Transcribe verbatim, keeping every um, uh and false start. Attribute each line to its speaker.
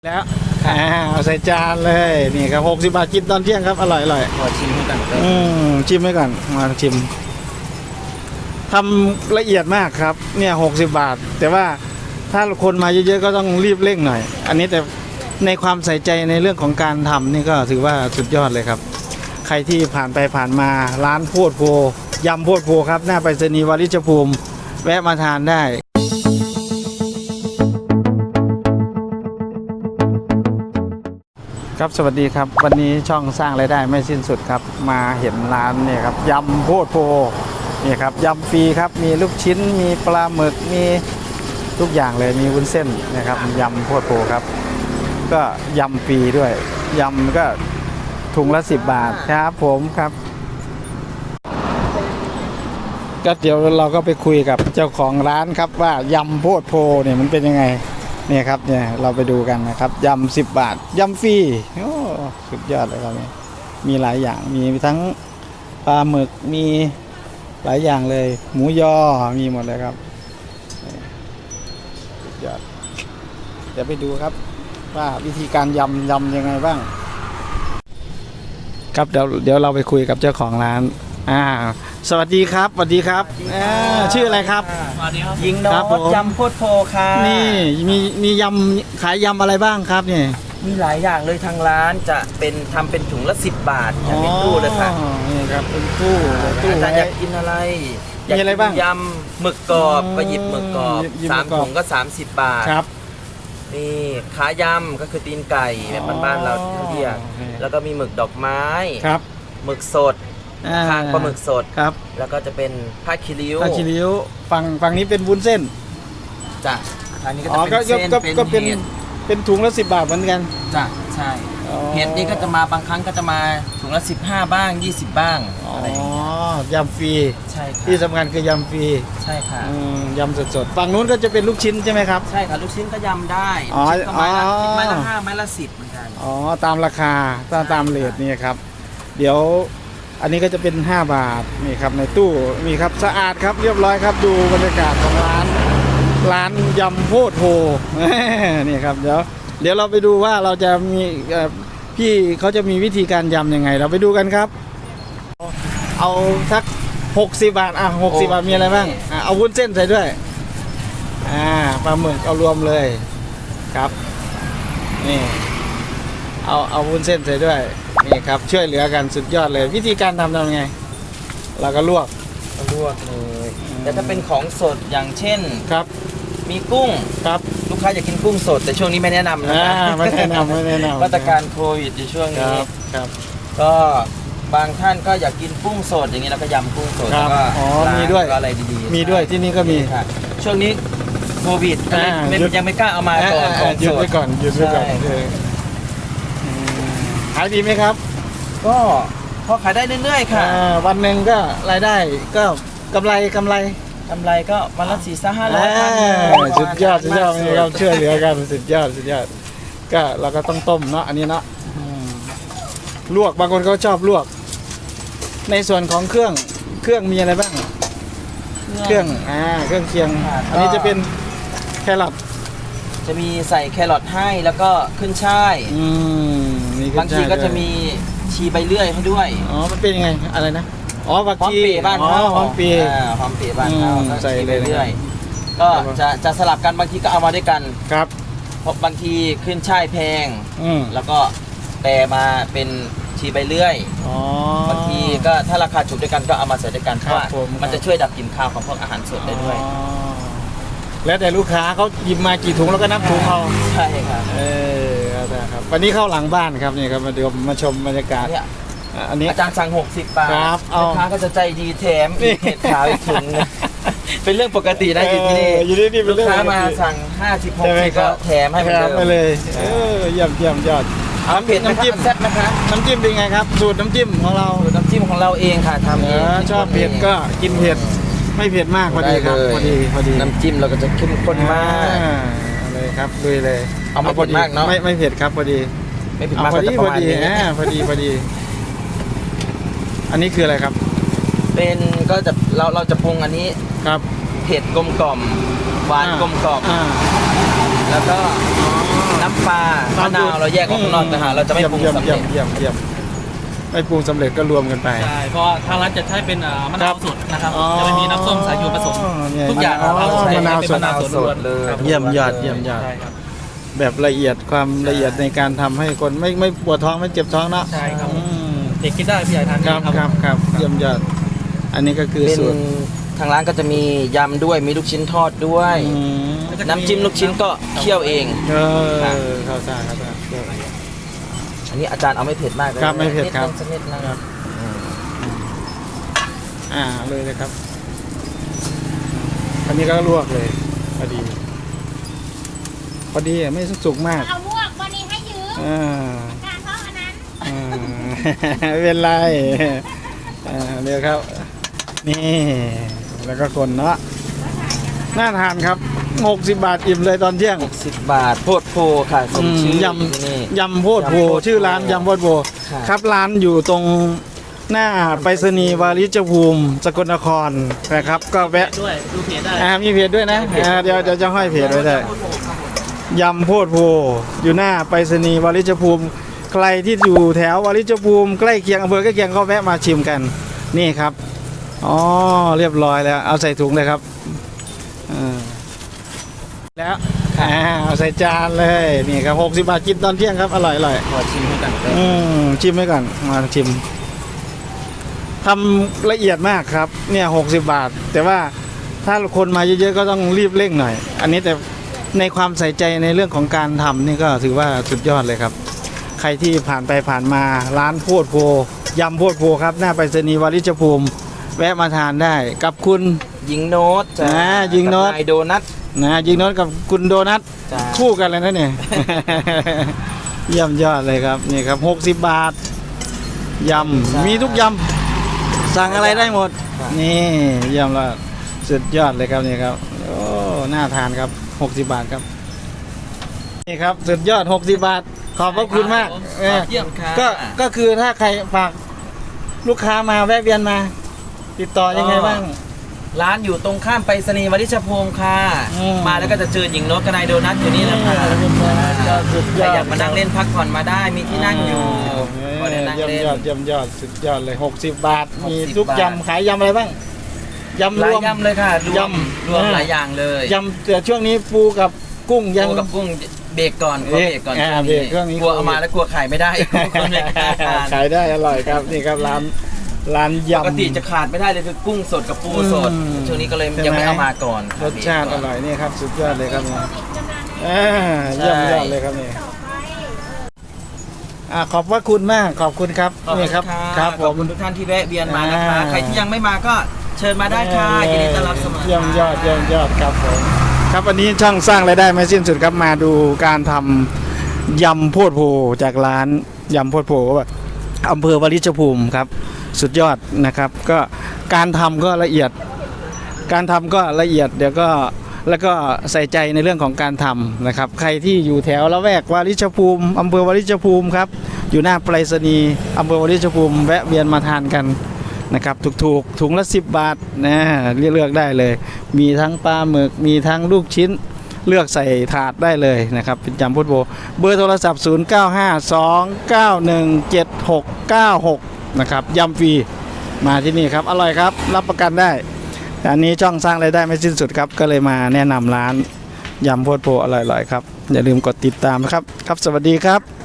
Speaker 1: แล้วอ่าเอาใส่จานเลยนี่ครับหกสิบบาทกินตอนเที่ยงครับอร่อยอร่อย
Speaker 2: ขอชิมให้ก่อนครับ
Speaker 1: อืมชิมไว้ก่อนมาชิมทำละเอียดมากครับเนี่ยหกสิบบาทแต่ว่าถ้าคนมาเยอะๆก็ต้องรีบเร่งหน่อย อันนี้แต่ในความใส่ใจในเรื่องของการทำนี่ก็ถือว่าสุดยอดเลยครับใครที่ผ่านไปผ่านมาร้านโพดโพยำโพดโพครับหน้าไปรษณีย์วาริชภูมิแวะมาทานได้ครับสวัสดีครับวันนี้ช่องสร้างรายได้ไม่สิ้นสุดครับมาเห็นร้านเนี่ยครับยำโพดโพนี่ครับยำฟรีครับมีลูกชิ้นมีปลาหมึกมีทุกอย่างเลยมีวุ้นเส้นนะครับยำโพดโพครับก็ยำฟรีด้วยยำก็ถุงละสิบบาทครับผมครับก็เดี๋ยวเราก็ไปคุยกับเจ้าของร้านครับว่ายำโพดโพเนี่ยมันเป็นยังไงเนี่ยครับเนี่ยเราไปดูกันนะครับยำสิบบาทยำฟรีโอ้สุดยอดเลยครับเนี่ยมีหลายอย่างมีทั้งปลาหมึกมีหลายอย่างเลยหมูยอมีหมดเลยครับสุดยอดเดี๋ยวไปดูครับว่าวิธีการยำยำยังไงบ้างครับเดี๋ยวเดี๋ยวเราไปคุยกับเจ้าของร้านอ่าสวัสดีครับสวัสดีครับชื่ออะไรครับ
Speaker 2: สวัสดีครับยิงโน้ตยำโพดโพค่ะ
Speaker 1: นี่มีมียำขายยำอะไรบ้างครับเนี่ย
Speaker 2: มีหลายอย่างเลยทางร้านจะเป็นทำเป็นถุงละสิบบาทอย่างเป็นตู้เลยค่ะ
Speaker 1: นี่ครับเป็นตู้ตู้
Speaker 2: อาจารย์อยากกินอะไร
Speaker 1: มีอะไรบ้าง
Speaker 2: ยำหมึกกรอบก็หยิบหมึกกรอบสามถุงก็สามสิบบาท
Speaker 1: ครับ
Speaker 2: นี่ขายำก็คือตีนไก่แบบบ้านๆเราเรียกแล้วก็มีหมึกดอกไม้
Speaker 1: ครับ
Speaker 2: หมึกสดคางปลาหมึกสด
Speaker 1: ครับ
Speaker 2: แล้วก็จะเป็นผ้าคีริ้ว
Speaker 1: ผ้าคีริ้วฝั่งฝั่งนี้เป็นวุ้นเส้น
Speaker 2: จ้ะอันนี้ก็จะเป็นเส้น
Speaker 1: ก็เป็นเป็นถุงละสิบบาทเหมือนกัน
Speaker 2: จ้ะใช่เห็ดนี่ก็จะมาบางครั้งก็จะมาถุงละสิบห้าบ้างยี่สิบบ้างอะไรอย่างเงี้ย
Speaker 1: ยำฟรี
Speaker 2: ใช่ค่ะ
Speaker 1: ที่สำคัญคือยำฟรี
Speaker 2: ใช่ค่ะ
Speaker 1: ยำสดๆฝั่งนู้นก็จะเป็นลูกชิ้นใช่ไหมครับ
Speaker 2: ใช่ค่ะลูกชิ้นก็ยำได้ลูกชิ้นก็ไม้ละไม้ละห้าไม้ละสิบเหมือนกัน
Speaker 1: อ๋อตามราคาตามตามเรทนี่ครับเดี๋ยวอันนี้ก็จะเป็นห้าบาทนี่ครับในตู้มีครับสะอาดครับเรียบร้อยครับดูบรรยากาศของร้านร้านยำโพดโพนี่ครับเดี๋ยวเดี๋ยวเราไปดูว่าเราจะมีพี่เขาจะมีวิธีการยำยังไงเราไปดูกันครับเอาสักหกสิบบาทอ่ะหกสิบบาทมีอะไรบ้างอ่ะเอาวุ้นเส้นใส่ด้วยอ่าปลาหมึกเอารวมเลยครับนี่เอาเอาวุ้นเส้นใส่ด้วยนี่ครับช่วยเหลือกันสุดยอดเลยวิธีการทำทำยังไงเราก็ลวก
Speaker 2: ลวกเลยแต่ถ้าเป็นของสดอย่างเช่น
Speaker 1: ครับ
Speaker 2: มีกุ้ง
Speaker 1: ครับ
Speaker 2: ลูกค้าอยากกินกุ้งสดแต่ช่วงนี้ไม่แนะนำนะ
Speaker 1: ไม่แนะนำไม่แนะนำ
Speaker 2: มาตรการโควิดในช่วงนี้
Speaker 1: ครับ
Speaker 2: ก็บางท่านก็อยากกินกุ้งสดอย่างนี้เราก็ยำกุ้งสด
Speaker 1: แล้วก็
Speaker 2: อ๋อ
Speaker 1: มีด้วย
Speaker 2: อะไรดี
Speaker 1: ๆมีด้วยที่นี่ก็มี
Speaker 2: ช่วงนี้โควิดยังไม่กล้าเอามาก่อน
Speaker 1: หยุดไว้ก่อนหยุดไว้ก่อนขายดีไหมครับ
Speaker 2: ก็พอขายได้เรื่อยๆค่ะ
Speaker 1: วันหนึ่งก็รายได้ก็กำไรกำไร
Speaker 2: กำไรก็วันละสี่ห้าร้อย
Speaker 1: สุดยอดสุดยอดเราช่วยเหลือกันสุดยอดสุดยอดก็เราก็ต้องต้มเนาะอันนี้เนาะลวกบางคนเขาชอบลวกในส่วนของเครื่องเครื่องมีอะไรบ้างเครื่องอ่าเครื่องเคียงอันนี้จะเป็นแครอท
Speaker 2: จะมีใส่แครอทให้แล้วก็ขึ้นช่ายบางทีก็จะมีชีใบเลื่อยให้ด้วย
Speaker 1: อ๋อมันเป็นยังไงอะไรนะอ๋อผักชี
Speaker 2: บ้านเขา
Speaker 1: หอมปี
Speaker 2: หอมปีบ้านเขาใส่เรื่อยๆก็จะจะสลับกันบางทีก็เอามาด้วยกัน
Speaker 1: ครับ
Speaker 2: เพราะบางทีขึ้นช่ายแพงแล้วก็แปลมาเป็นชีใบเลื่อยบางทีก็ถ้าราคาถูกด้วยกันก็เอามาใส่ด้วยกันเพราะว่ามันจะช่วยดับกลิ่นคาวของพวกอาหารสดได้ด้วย
Speaker 1: แล้วแต่ลูกค้าเขาหยิบมากี่ถุงแล้วก็นับถุงเอา
Speaker 2: ใช่ครับ
Speaker 1: เออครับวันนี้เข้าหลังบ้านครับนี่ครับมาดูมาชมบรรยากาศอันนี้
Speaker 2: อาจารย์สั่งหกสิบบาทลูกค้าก็จะใจดีแถมอีกเห็ดขาวอีกถุงเป็นเรื่องปกติได้อยู่ที่นี่ลูกค้ามาสั่งห้าสิบหกสิบก็แถมให้
Speaker 1: ไปเลยเออเยี่ยมเยี่ยมยอด
Speaker 2: น้ำเผ็ดน้ำจิ้มแซ่บนะคะ
Speaker 1: น้ำจิ้มเป็นไงครับสูตรน้ำจิ้มของเรา
Speaker 2: สูตรน้ำจิ้มของเราเองค่ะทำเอง
Speaker 1: ชอบเผ็ดก็กินเผ็ดไม่เผ็ดมากพอดีครับพอดีพอดี
Speaker 2: น้ำจิ้มเราก็จะเข้มข้นมาก
Speaker 1: เลยครับลุยเลย
Speaker 2: เอาไม่เผ็ดมากเนาะ
Speaker 1: ไม่ไม่เผ็ดครับพอดี
Speaker 2: ไม่เผ็ดมาก
Speaker 1: พอดีพอดีพอดีพอดีอันนี้คืออะไรครับ
Speaker 2: เป็นก็จะเราเราจะปรุงอันนี้
Speaker 1: ครับ
Speaker 2: เผ็ดกลมกล่อมหวานกลมกล่อมแล้วก็น้ำปลามะนาวเราแยกออกข้างนอกนะฮะเราจะไม่ปรุงสำเร็จ
Speaker 1: เยี่ยมเยี่ยมไม่ปรุงสำเร็จก็รวมกันไป
Speaker 3: ใช่เพราะว่าทางร้านจะใช้เป็นอ่ามะนาวสดนะครับ
Speaker 1: อ๋อ
Speaker 3: จะไม่มีน้ำส้มสายชูผสม
Speaker 1: เนี่ย
Speaker 3: ทุกอย่าง
Speaker 1: อ๋อ
Speaker 3: เราใช้
Speaker 1: มะนาว
Speaker 3: เป็น
Speaker 1: สด
Speaker 3: มะนาวสดล้วน
Speaker 2: เลย
Speaker 3: ครับ
Speaker 1: เยี่ยมยอดเยี่ยมยอด
Speaker 3: ใช่ครับ
Speaker 1: แบบละเอียดความละเอียดในการทำให้คนไม่ไม่ปวดท้องไม่เจ็บท้องเนาะ
Speaker 3: ใช่ครับ
Speaker 1: อืม
Speaker 3: เด็กกินได้พี่ใหญ่ทาน
Speaker 1: ค
Speaker 3: ดี
Speaker 1: รับครับครับเยี่ยมยอด อันนี้ก็คือ
Speaker 2: เป็น
Speaker 1: สูตร
Speaker 2: ทางร้านก็จะมียำด้วยมีลูกชิ้นทอดด้วย
Speaker 1: อืม
Speaker 2: น้ำจิ้มลูกชิ้นก็เคี่ยวเอง
Speaker 1: เออเข้าท่าเข้าท่า
Speaker 2: อันนี้อาจารย์เอาไม่เผ็ดมากเลย
Speaker 1: ครับไม่เผ็ดครับ
Speaker 2: นินึงสักนิดนะครับ
Speaker 1: อ่าเลยเลยครับ อันนี้ก็ลวกเลยพอดีพอดีอ่ะไม่สุกมาก
Speaker 4: เอาลวกวันนี้ให้ยืม
Speaker 1: อ่า
Speaker 4: การเพราะอันนั้น
Speaker 1: อ่าไม่เป็นไรอ่าเดี๋ยวครับ นี่แล้วก็คนเนาะน่าทานครับหกสิบบาทอิ่มเลยตอนเที่ยง
Speaker 2: สิบบาทโพดโพค่ะสมชื่อย
Speaker 1: ำ
Speaker 2: นี่
Speaker 1: ยำโพดโพ
Speaker 2: ยำโพดโพ
Speaker 1: ชื่อร้านยำโพดโพ
Speaker 2: ครับ
Speaker 1: ครับร้านอยู่ตรงหน้าไปรษณีย์วาริจภูมิสกลนครนะครับ ก็แวะ
Speaker 3: ด้วยดูเพจได้
Speaker 1: อ่ามีเพจด้วยนะอ่าเดี๋ยวเดี๋ยวจะห้อยเพจไว้ได้ยำโพดโพอยู่หน้าไปรษณีย์วาริจภูมิใครที่อยู่แถววาริจภูมิใกล้เคียงอำเภอใกล้เคียงก็แวะมาชิมกันนี่ครับอ๋อเรียบร้อยแล้วเอาใส่ถุงเลยครับอ่าแล้วอ่าเอาใส่จานเลยนี่ครับหกสิบบาทกินตอนเที่ยงครับอร่อยอร่อย
Speaker 2: ขอชิมให้กันเลย
Speaker 1: อืมชิมไว้ก่อนมาชิมทำละเอียดมากครับเนี่ยหกสิบบาท แต่ว่าถ้าคนมาเยอะๆก็ต้องรีบเร่งหน่อย อันนี้แต่ในความใส่ใจในเรื่องของการทำนี่ก็ถือว่าสุดยอดเลยครับ ใครที่ผ่านไปผ่านมาร้านโพดโพยำโพดโพครับหน้าไปรษณีย์วาริจภูมิแวะมาทานได้กับคุณ
Speaker 2: ยิงโน้ตจ้า
Speaker 1: อ่ายิงโน้ต
Speaker 2: กับนายโดนัท
Speaker 1: นะยิงโน้ตกับคุณโดนัท
Speaker 2: จ้า
Speaker 1: คู่กันเลยนะเนี่ย เยี่ยมยอดเลยครับนี่ครับหกสิบบาทยำมีทุกยำสั่งอะไรได้หมด นี่เยี่ยมแล้วสุดยอดเลยครับนี่ครับโอ้น่าทานครับหกสิบบาทครับนี่ครับสุดยอดหกสิบบาท ขอบพระคุณมากเออ
Speaker 2: เยี่ยมค่ะ
Speaker 1: ก็ก็คือถ้าใครฝากลูกค้ามาแวะเวียนมา ติดต่อยังไงบ้าง
Speaker 2: ร้านอยู่ตรงข้ามไปรษณีย์วริชภูมิค่ะ
Speaker 1: อืม
Speaker 2: มาแล้วก็จะเจอหญิงโน้ตกับนายโดนัทอยู่นี่แหละค่ะ
Speaker 1: สุด
Speaker 2: ใค
Speaker 1: ย
Speaker 2: ร
Speaker 1: อด
Speaker 2: อยากมานั่งเล่นพักผ่อนมาได้มีที่นั่งอยู่ก็ได้นั่ง
Speaker 1: เยี่ยม
Speaker 2: เล่น
Speaker 1: ยอดเยี่ยมยอดสุดยอดเลยหกสิบบาท
Speaker 2: หกสิบ
Speaker 1: มีทุก
Speaker 2: บาท
Speaker 1: ยำขายยำอะไรบ้างยำ
Speaker 2: ห
Speaker 1: ร
Speaker 2: ลายว
Speaker 1: ม
Speaker 2: ยำเลยค่ะรวม
Speaker 1: ยำ
Speaker 2: รวม
Speaker 1: อ่า
Speaker 2: หลายอย่างเลย
Speaker 1: ยำแต่ช่วงนี้ปูกับกุ้งยัง
Speaker 2: ปูกับกุ้งเบรกก่อนกลัวเบรกก่อน
Speaker 1: อ่า
Speaker 2: ช่วง
Speaker 1: เบร
Speaker 2: นี้
Speaker 1: กช่วงนี้
Speaker 2: กลัวเอามาแล้วกลัวขายไม่ได้กลัวคนไม่กล้าทาน
Speaker 1: ขายได้อร่อยครับนี่ครับร้านร้าน
Speaker 2: ป
Speaker 1: ยำ
Speaker 2: กติจะขาดไม่ได้เลยคือกุ้งสดกับปูสด
Speaker 1: อืม
Speaker 2: ช่วงนี้ก็เลย
Speaker 1: ใช่ไหม
Speaker 2: ยังไม่เอามาก่อน
Speaker 1: รสชาติอร่อยนี่ครับสุดยอดเลยครับนี่
Speaker 4: โควิดกำลัง
Speaker 1: อ่าเยี่ยมยอดเลยครับนี่
Speaker 4: ต่อไป
Speaker 1: อ่าขอบพระคุณมากขอบคุณครับ
Speaker 2: ขอบ
Speaker 1: นี่
Speaker 2: คุณ
Speaker 1: ครับ
Speaker 2: ค่ะ
Speaker 1: ครับผ
Speaker 2: ขอบ
Speaker 1: ม
Speaker 2: คุณทุกท่านที่แวะเวียนมานะคะ
Speaker 1: อ่า
Speaker 2: ใครที่ยังไม่มาก็เชิญมาได้ค่ะยินดีต้อนรับเสมอ
Speaker 1: เยี่ยมยอดเยี่ยมยอดครับผมครับวันนี้ช่องสร้างรายได้ไม่สิ้นสุดครับมาดูการทำยำโพดโพจากร้านยำโพดโพอำเภอวาริชภูมิครับ สุดยอดนะครับ ก็การทำก็ละเอียด การทำก็ละเอียดเดี๋ยวก็แล้วก็ใส่ใจในเรื่องของการทำนะครับ ใครที่อยู่แถวละแวกวาริชภูมิอำเภอวาริชภูมิครับอยู่หน้าไปรษณีย์อำเภอวาริชภูมิแวะเวียนมาทานกันนะครับถูกๆถุงละสิบบาทนะเลือกได้เลย มีทั้งปลาหมึกมีทั้งลูกชิ้นเลือกใส่ถาดได้เลยนะครับเป็นจำพุทโบเบอร์โทรศัพท์ ศูนย์ เก้า ห้า สอง เก้า หนึ่ง เจ็ด หก เก้า หก นะครับยำฟรีมาที่นี่ครับอร่อยครับรับประกันได้แต่อันนี้ช่องสร้างรายได้ไม่สิ้นสุดครับก็เลยมาแนะนำร้านยำโพดโพอร่อยๆครับอย่าลืมกดติดตามนะครับครับสวัสดีครับ